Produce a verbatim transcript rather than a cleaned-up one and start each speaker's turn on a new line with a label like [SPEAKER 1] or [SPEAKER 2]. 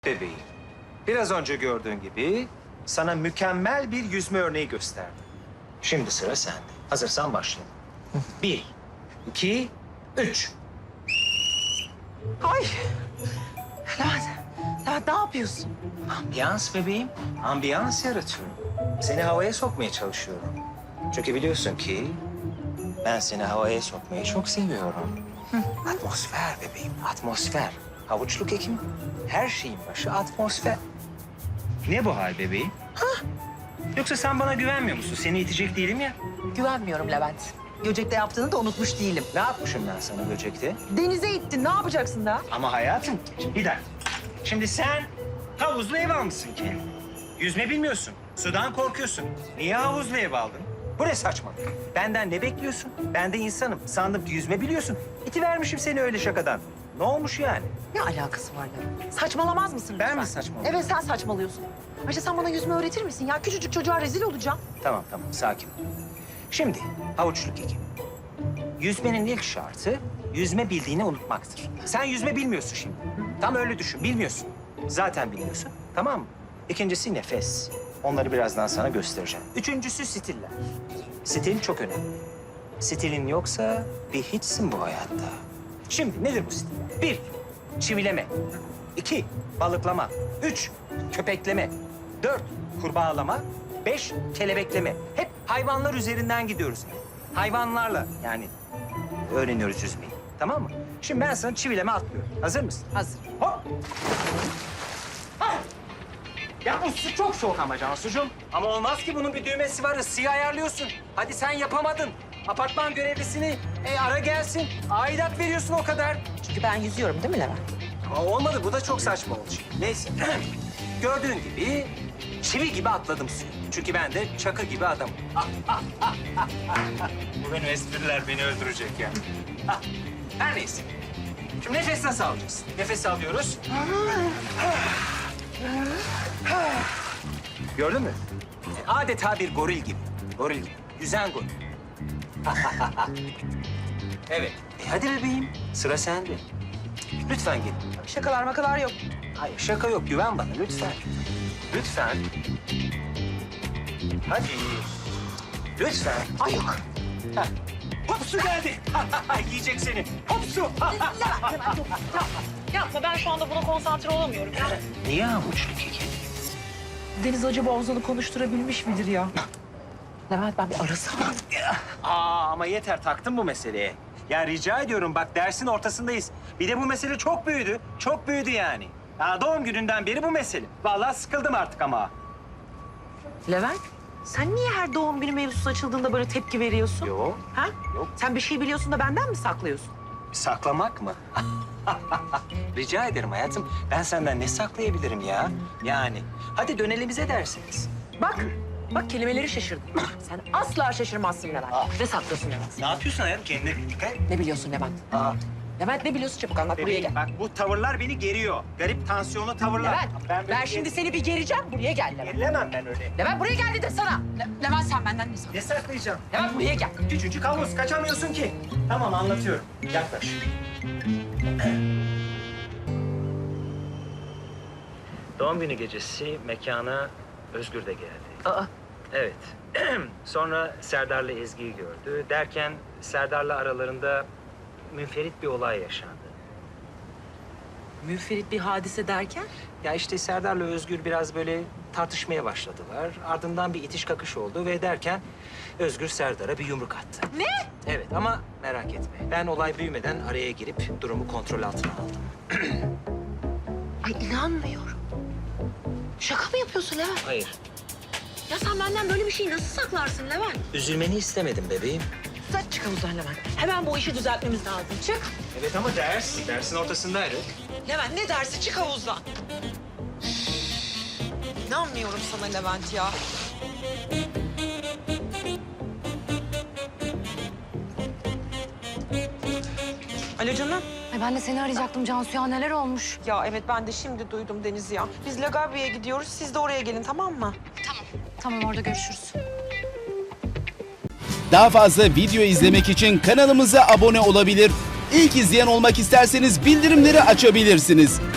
[SPEAKER 1] Bebeğim, biraz önce gördüğün gibi sana mükemmel bir yüzme örneği gösterdim. Şimdi sıra sende. Hazırsan başlayalım. Bir, iki, üç.
[SPEAKER 2] Ay! Levent, Levent ne yapıyorsun?
[SPEAKER 1] Ambiyans bebeğim, ambiyans yaratıyorum. Seni havaya sokmaya çalışıyorum. Çünkü biliyorsun ki ben seni havaya sokmayı çok seviyorum. Atmosfer bebeğim, atmosfer. Havuçluk ekim, her şeyin başı atmosfer. Ne bu hal bebeğim? Ha? Yoksa sen bana güvenmiyor musun? Seni itecek değilim ya.
[SPEAKER 2] Güvenmiyorum Levent. Göcek'te yaptığını da unutmuş değilim.
[SPEAKER 1] Ne yapmışım ben sana böcekte?
[SPEAKER 2] Denize ittin, ne yapacaksın daha?
[SPEAKER 1] Ama hayatım, bir dakika. Şimdi sen havuzlu ev almışsın kendine. Yüzme bilmiyorsun, sudan korkuyorsun. Niye havuzlu ev aldın? Bu ne saçmalık? Benden ne bekliyorsun? Ben de insanım. Sandım ki yüzme biliyorsun. İtivermişim seni öyle şakadan. Ne olmuş yani?
[SPEAKER 2] Ne alakası var Levent? Saçmalamaz mısın
[SPEAKER 1] Ben
[SPEAKER 2] lütfen?
[SPEAKER 1] mi saçmalıyorum?
[SPEAKER 2] Evet, sen saçmalıyorsun. Ayrıca sen bana yüzme öğretir misin ya? Küçücük çocuğa rezil olacağım.
[SPEAKER 1] Tamam tamam, sakin ol. Şimdi havuçluk ekim. Yüzmenin ilk şartı yüzme bildiğini unutmaktır. Sen yüzme bilmiyorsun şimdi. Tam öyle düşün, bilmiyorsun. Zaten bilmiyorsun, tamam mı? İkincisi nefes. Onları birazdan sana göstereceğim. Üçüncüsü stiller. Stil çok önemli. Stilin yoksa bir hiçsin bu hayatta. Şimdi nedir bu stiller? Bir, çivileme. İki, balıklama. Üç, köpekleme. Dört, kurbağalama. Beş, kelebekleme. Hep hayvanlar üzerinden gidiyoruz. Hayvanlarla yani öğreniyoruz yüzmeyi. Tamam mı? Şimdi ben sana çivileme atlıyorum. Hazır mısın?
[SPEAKER 2] Hazır.
[SPEAKER 1] Hop! Ah! Ya bu su çok soğuk ama Cansucuğum. Ama olmaz ki, bunun bir düğmesi var. Isıyı ayarlıyorsun. Hadi sen yapamadın. Apartman görevlisini e, ara gelsin. Aidat veriyorsun o kadar.
[SPEAKER 2] Çünkü ben yüzüyorum değil mi Levent?
[SPEAKER 1] Ama olmadı. Bu da çok saçma oldu şimdi. Neyse. Gördüğün gibi çivi gibi atladım suyu. Çünkü ben de çakı gibi adamım. Bu benim espriler beni öldürecek ya. Ah, her neyse. Şimdi nefes nasıl alacağız? Nefes alıyoruz. Gördün mü? Adeta bir goril gibi. Goril gibi. Yüzen goril. Evet. E hadi bebeğim. Sıra sende. Lütfen git.
[SPEAKER 2] Şakalar makalar yok.
[SPEAKER 1] Hayır, şaka yok. Güven bana lütfen. Lütfen. Hadi. Lütfen.
[SPEAKER 2] Ay yok.
[SPEAKER 1] Heh. Hop su geldi. Yiyecek seni. Hop su.
[SPEAKER 2] Levent, Levent yok. Yapma. Yapma, ben şu anda buna konsantre olamıyorum. Ya.
[SPEAKER 1] Niye havuçlu keki?
[SPEAKER 2] Deniz acaba Ozan'ı konuşturabilmiş midir ya? Levent, ben bir arasam.
[SPEAKER 1] Aa ama yeter, taktın bu meseleye. Ya rica ediyorum, bak dersin ortasındayız. Bir de bu mesele çok büyüdü. Çok büyüdü yani. Ya doğum gününden beri bu mesele. Vallahi sıkıldım artık ama.
[SPEAKER 2] Levent, sen niye her doğum günü mevzusu açıldığında böyle tepki veriyorsun?
[SPEAKER 1] Yok.
[SPEAKER 2] Ha?
[SPEAKER 1] Yok.
[SPEAKER 2] Sen bir şey biliyorsun da benden mi saklıyorsun?
[SPEAKER 1] Saklamak mı? Rica ederim hayatım. Ben senden ne saklayabilirim ya? Yani. Hadi dönelim bize dersiniz.
[SPEAKER 2] Bak, bak kelimeleri şaşırdım. Sen asla şaşırmazsın Levent.
[SPEAKER 1] Ah.
[SPEAKER 2] Ne saklıyorsun Levent?
[SPEAKER 1] Ne yapıyorsun hayatım? Kendine dikkat et.
[SPEAKER 2] Ne biliyorsun Levent?
[SPEAKER 1] Aa,
[SPEAKER 2] Levent ne biliyorsun? Çabuk anlat, buraya
[SPEAKER 1] bebeğim,
[SPEAKER 2] gel.
[SPEAKER 1] bak bu tavırlar beni geriyor. Garip tansiyonlu tavırlar.
[SPEAKER 2] Levent, ben,
[SPEAKER 1] böyle
[SPEAKER 2] şimdi
[SPEAKER 1] ger-
[SPEAKER 2] seni bir gereceğim. Buraya gel Levent.
[SPEAKER 1] Gerilemem ben öyle.
[SPEAKER 2] Levent buraya gel dedim sana. Le- Levent sen benden ne saklıyorsun?
[SPEAKER 1] Ne saklayacağım?
[SPEAKER 2] Levent buraya gel.
[SPEAKER 1] Küçücük havuz, kaçamıyorsun ki. Tamam, anlatıyorum. Yaklaş. Doğum günü gecesi mekana Özgür de geldi.
[SPEAKER 2] Aa,
[SPEAKER 1] Evet. Sonra Serdar'la Ezgi'yi gördü. Derken Serdar'la aralarında münferit bir olay yaşandı.
[SPEAKER 2] müferit bir hadise derken?
[SPEAKER 1] Ya işte Serdar'la Özgür biraz böyle tartışmaya başladılar. Ardından bir itiş kakış oldu ve derken Özgür Serdar'a bir yumruk attı.
[SPEAKER 2] Ne?
[SPEAKER 1] Evet ama merak etme. Ben olay büyümeden araya girip durumu kontrol altına aldım.
[SPEAKER 2] Ay inanmıyorum. Şaka mı yapıyorsun Levent?
[SPEAKER 1] Hayır.
[SPEAKER 2] Ya sen benden böyle bir şeyi nasıl saklarsın Levent?
[SPEAKER 1] Üzülmeni istemedim bebeğim.
[SPEAKER 2] Sen çık havuzdan Levent. Hemen bu işi düzeltmemiz lazım. Çık.
[SPEAKER 1] Evet ama ders. Dersin ortasındaydık.
[SPEAKER 2] Levent ne dersi? Çık havuzdan. İnanmıyorum sana Levent ya. Alo canım.
[SPEAKER 3] Ay ben de seni arayacaktım Cansu ya, neler olmuş?
[SPEAKER 4] Ya evet ben de şimdi duydum Deniz ya. Biz Lagabya'ya gidiyoruz. Siz de oraya gelin tamam mı?
[SPEAKER 3] Tamam, orada görüşürüz.
[SPEAKER 5] Daha fazla video izlemek için kanalımıza abone olabilir. İlk izleyen olmak isterseniz bildirimleri açabilirsiniz.